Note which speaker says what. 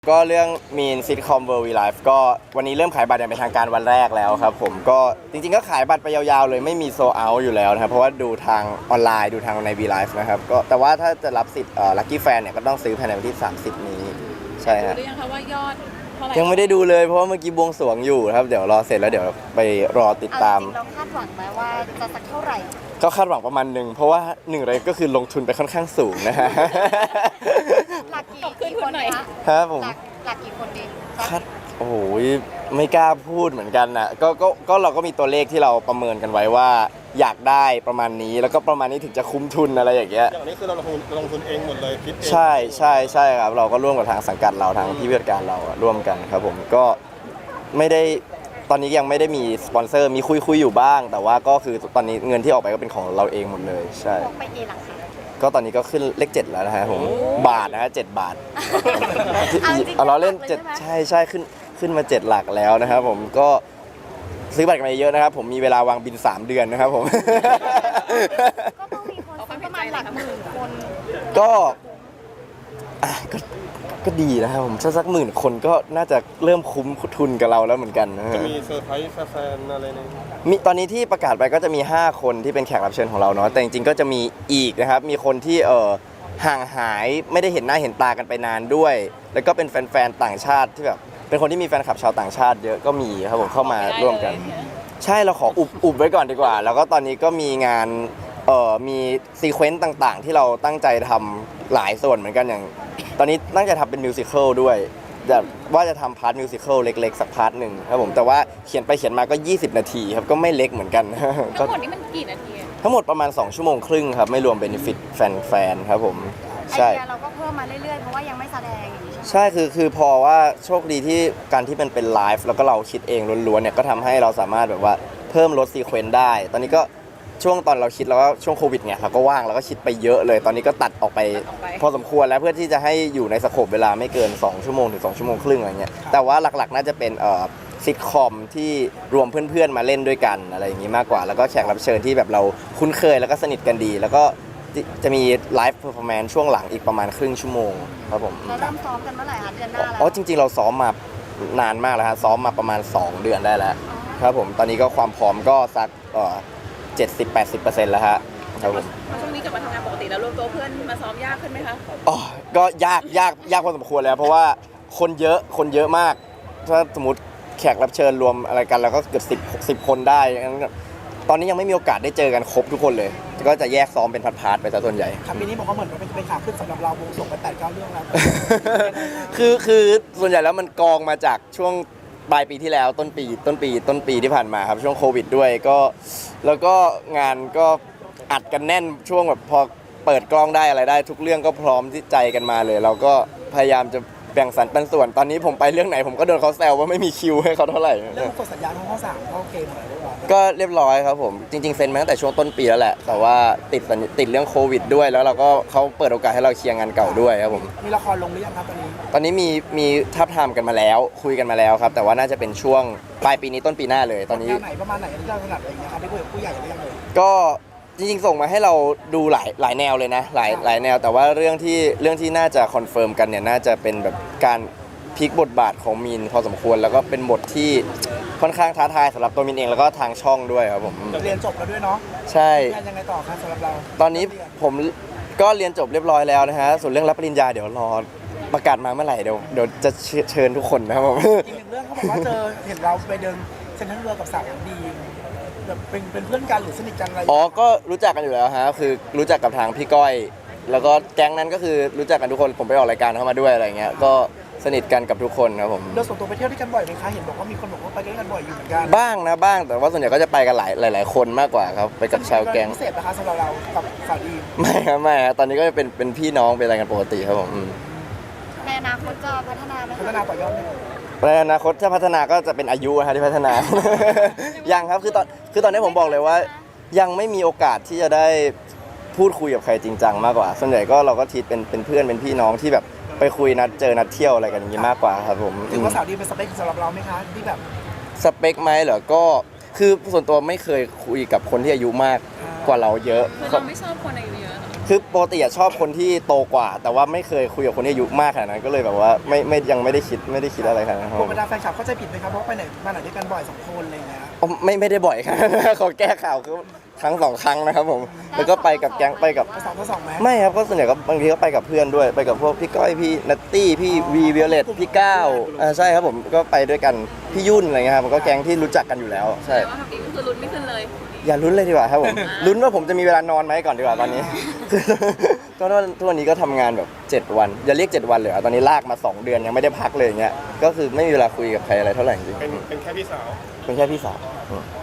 Speaker 1: ก็เรื่อง Mean Sitcom World We Live ก็วันนี้เริ่มขายบัตรอย่างเป็นทางการวันแรกแล้วครับผมก็จริงๆก็ขายบัตรไปยาวๆเลยไม่มีโซลเอาท์อยู่แล้วนะครับเพราะว่าดูทางออนไลน์ดูทางใน V Live นะครับก็แต่ว่าถ้าจะรับสิทธิ์Lucky Fan เนี่ยก็ต้องซื้อภายในวันที่30นี้ใช่ครับ
Speaker 2: หรือยังคะว่ายอดเท่าไหร่
Speaker 1: ยังไม่ได้ดูเลยเพราะว่าเมื่อกี้บวงสรวงอยู่ครับเดี๋ยวรอเสร็จแล้วเดี๋ยวไปรอติดตาม
Speaker 3: จริงเราคาดหวังไหมว่าจะสักเท่าไหร่
Speaker 1: ก็คาดหวังประมาณหนึ่งเพราะว่าหนึ่งเลยก็คือลงทุนไปค่อนข้างสูงนะฮะ
Speaker 3: หลักกี่คนคะ
Speaker 1: ครับผม
Speaker 3: หลักกี่คนดี
Speaker 1: คาดโอ้โหไม่กล้าพูดเหมือนกันนะก็เราก็มีตัวเลขที่เราประเมินกันไว้ว่าอยากได้ประมาณนี้แล้วก็ประมาณนี้ถึงจะคุ้มทุนอะไรอย่างเงี้ย
Speaker 4: อย่างนี้คือเราลงทุนเองหมดเลยคิดเอง
Speaker 1: ใช่ครับเราก็ร่วมกับทางสังกัดเราทางพี่ผู้จัดการเราร่วมกันครับผมก็ไม่ได้ตอนนี้ยังไม่ได้มีสปอนเซอร์มีคุยอยู่บ้าง แต่ว่าก็คือตอนนี้เงินที่ออกไปก็เป็นของเราเองหมดเลยใช่
Speaker 3: ไปเองหลักสิ
Speaker 1: ก็ตอนนี้ก็ขึ้นเลข7แล้วนะฮะผมบาทนะฮะ7 บาทเอาเราเล่น7ใช่ขึ้นมา7หลักแล้วนะครับผมก็ซื้อบัตรกันมาเยอะนะครับผมมีเวลาวางบิน3เดือนนะครับผม
Speaker 3: ก็ต้องมีคนประมาณหลักหมื่นคน
Speaker 1: ก็ดีนะครับผมสักหมื่นคนก็น่าจะเริ่มคุ้มทุนกับเราแล้วเหมือนกัน
Speaker 4: จะมีเซอร์ไพรส์แฟนอะไรเนี่ย
Speaker 1: มีตอนนี้ที่ประกาศไปก็จะมี5คนที่เป็นแขกรับเชิญของเราเนาะแต่จริงๆก็จะมีอีกนะครับมีคนที่ห่างหายไม่ได้เห็นหน้าเห็นตากันไปนานด้วยแล้วก็เป็นแฟนๆต่างชาติที่แบบเป็นคนที่มีแฟนคลับชาวต่างชาติเยอะก็มีครับผมเข้ามาร่วมกันใช่เราขออุบไว้ก่อนดีกว่าแล้วก็ตอนนี้ก็มีงานมีซีเควนต์ต่างๆที่เราตั้งใจทำหลายส่วนเหมือนกันอย่างตอนนี้ตั้งใจทำเป็นมิวสิควลด้วยว่าจะทำพาร์ทมิวสิควลเล็กๆสักพาร์ทหนึ่งครับผมแต่ว่าเขียนไปเขียนมาก็20นาทีครับก็ไม่เล็กเหมือนกัน
Speaker 2: ทั้งหมดนี้มันกี่นาที
Speaker 1: ทั้งหมดประมาณ2ชั่วโมงครึ่งครับไม่รวมเบเนฟิตแฟนๆครับผม
Speaker 3: ใช่เราก็เพิ่มมาเรื่อยๆเพราะว่ายังไม่แสดงอย่างนี้
Speaker 1: ใช่คือพอว่าโชคดีที่การที่มันเป็นไลฟ์แล้วก็เราคิดเองล้วนๆเนี่ยก็ทำให้เราสามารถแบบว่าเพิ่มลดซีเควนต์ได้ตอนนี้ก็ช่วงตอนเราคิดแล้วก็ช่วงโควิดไงเราก็ว่างเราก็คิดไปเยอะเลยตอนนี้ก็ตัดออกไปพอสมควรแล้วเพื่อที่จะให้อยู่ในสโคปเวลาไม่เกิน2ชั่วโมงถึง2ชั่วโมงครึ่งอะไรเงี้ยแต่ว่าหลักๆน่าจะเป็นซิทคอมที่รวมเพื่อนๆมาเล่นด้วยกันอะไรอย่างงี้มากกว่าแล้วก็แขกรับเชิญที่แบบเราคุ้นเคยแล้วก็สนิทกันดีแล้วก็จะมีไลฟ์เพอร์ฟอร์แมนซ์ช่วงหลังอีกประมาณครึ่งชั่วโมงครับผม
Speaker 3: เราเริ่มซ้อมกันเมื่อไหร่คะเดือนหน้าแล้ว
Speaker 1: จริงๆเราซ้อมมานานมากแล้วฮะซ้อมมาประมาณ2เดือนได้แล้วครับผมตอนนี้ก็ความพร้อมก็สัก70-80%แล้วฮะครับผม
Speaker 2: ช่วงนี้กลับมาทำงานปกติแล้วรวมตัวเพื่อนมาซ้อมยากขึ้นไหมคะ
Speaker 1: ก็ยากพอสมควรแล้วเพราะว่าคนเยอะมากถ้าสมมติแขกรับเชิญรวมอะไรกันแล้วก็เกือบ10คนได้ตอนนี้ยังไม่มีโอกาสได้เจอกันครบทุกคนเลยก็จะแยกซ้อมเป็นพาร์ทๆไปซะส่วนใหญ่
Speaker 5: ครับปีนี้บอกว่าเหมือนเป็นขาขึ้นสำหรับเราวงส่งไป8-9 เรื่องแล้ว
Speaker 1: คือส่วนใหญ่แล้วมันกองมาจากช่วงปลายปีที่แล้วต้นปีที่ผ่านมาครับช่วงโควิดด้วยก็แล้วก็งานก็อัดกันแน่นช่วงแบบพอเปิดกล้องได้อะไรได้ทุกเรื่องก็พร้อมที่ใจกันมาเลยเราก็พยายามจะแบ่งสรรปันส่วนตอนนี้ผมไปเรื่องไหนผมก็โดนเขาแซวว่าไม่มีคิวให้เขาเท่าไหร่
Speaker 5: เรื่องกดสัญญาทั้งข้อ3เข้าเกมอะไรเรียบร้อย
Speaker 1: ก็เรียบร้อยครับผมจริงๆเซ็นมาตั้งแต่ช่วงต้นปีแล้วแหละแต่ว่าติดเรื่องโควิดด้วยแล้วเราก็เขาเปิดโอกาสให้เราเคลียร์งานเก่าด้วยครับผม
Speaker 5: มีละครลงหรือยังครับตอนนี้
Speaker 1: มีทับทามกันมาแล้วคุยกันมาแล้วครับแต่ว่าน่าจะเป็นช่วงปลายปีนี้ต้นปีหน้าเลยตอนนี้
Speaker 5: ไหนประมาณไหนที่เราถนัดอะไรอย่างเงี้ยครับได้คุยกับผู้ใหญ่หรือยังเลย
Speaker 1: ก็จริงๆส่งมาให้เราดูหลายแนวเลยนะหลายแนวแต่ว่าเรื่องที่น่าจะคอนเฟิร์มกันเนี่ยน่าจะเป็นแบบการพลิกบทบาทของมีนพอสมควรแล้วก็เป็นบทที่ค่อนข้างท้าทายสำหรับตัวมินเองแล้วก็ทางช่องด้วยครับผม
Speaker 5: เรียนจบแล้วด้วยเนาะ
Speaker 1: ใช่
Speaker 5: ยังไงต่อครับสำหรับเรา
Speaker 1: ตอนนี้ผมก็เรียนจบเรียบร้อยแล้วนะฮะส่วนเรื่องรับปริญญาเดี๋ยวรอประกาศมาเมื่อไหร่เดี๋ยวจะเชิญทุกคนนะครับผม
Speaker 5: อีกหนึ่งเรื่องเขาบอกว่าเห็นเราไปเดินเซ็นทรัลเวิลด์กับสาวดีแบบเป็นเพื่อนกันหรือสนิทกันอะไร
Speaker 1: ก็รู้จักกันอยู่แล้วฮะคือรู้จักกับทางพี่ก้อยแล้วก็แก๊งนั้นก็คือรู้จักกันทุกคนผมไปออกรายการเข้ามาด้วยอะไรเงี้ยก็สนิทกันกับทุกคนครับผม
Speaker 5: เราส่วนตัวไปเที่ยวด้วยกันบ่อยไหมคะเห็นบอกว่ามีคนบอกว่าไปด้วยกันบ่อยอยู่เหมือนกัน
Speaker 1: บ้างแต่ว่าส่วนใหญ่ก็จะไปกันหลายคนมากกว่าครับไปกับชาวแก๊ง
Speaker 5: พิเศษนะคะสำหรับเรากับสาวดี
Speaker 1: ไม่ครับตอนนี้ก็จะเป็นพี่น้องเป็นอะไรกันปกติครับผม
Speaker 3: ในอนาคตจะพัฒนา
Speaker 5: ต่อยอด
Speaker 1: ในอนาคตถ้าพัฒนาก็จะเป็นอายุที่พัฒนายังครับคือตอนนี้ผมบอกเลยว่ายังไม่มีโอกาสที่จะได้พูดคุยกับใครจริงจังมากกว่าส่วนใหญ่ก็เราก็ทีเป็นเพื่อนเป็นพี่น้องที่แบบไปคุยนัดเจอนัดเที่ยวอะไรกันอย่างนี้มากกว่าครับผม
Speaker 5: ถือว่าสาวดีเป็นสเปคสำหรับเราไหมคะที่แบบ
Speaker 1: สเปคไหมเหรอก็คือส่วนตัวไม่เคยคุยกับคนที่อายุมากกว่าเราเยอะ
Speaker 2: คือเราไม่ชอบคนอายุเยอะ
Speaker 1: คือปกติอะชอบคนที่โตกว่า แต่ว่าไม่เคยคุยกับคนที่อายุมากขนาดนั้นก็เลยแบบว่าไม่ยังไม่ได้คิดอะไรขนาดนั้นครั
Speaker 5: พวก
Speaker 1: บ
Speaker 5: บรรดาแฟนคลับเข้าใจผิดไหมครับเพราะไปไหนมาไหนด้วยกันบ่อย2 คนอะไรอย่างเงี้ย
Speaker 1: ไม่ได้บ่อยครับ เขาแก้ข่าวคือครั้ง 2 ครั้งนะครับผมแล้วก็ไปกับแก๊งไปกับ
Speaker 5: ไป2 ต่อ 2ไหม
Speaker 1: ไม่ครับก็ส่วนใหญ่ก็บางทีก็ไปกับเพื่อนด้วยไปกับพวกพี่ก้อยพี่นัตตี้พี่วีวิโอเลตพี่ก้าวใช่ครับผมก็ไปด้วยกันพี่ยุ่นอะไรเงี้ยครับมันก็แก๊งที่รู้จักกันอยู่แล้วใช่
Speaker 2: แต่ว่าแบบนี้ก็คือลุ้นไม่ขึ้นเลย
Speaker 1: อย่าลุ้นเลยดีกว่าครับผม ลุ้นว่าผมจะมีเวลานอนไหมก่อนดีกว่าตอนนี้ ก็ทุกวันนี้ก็ทำงานแบบ7 วันอย่าเรียก7 วันเลยอะตอนนี้ลากมา2 เดือนยังไม่ได้พักเลยอย่างเงี้ยก็คือไม่มีเวลาคุยกับใครอะไรเท่าไหร่จริง
Speaker 4: เป็นแค่พี่สาว
Speaker 1: ๆเป็นแค่พี่สาว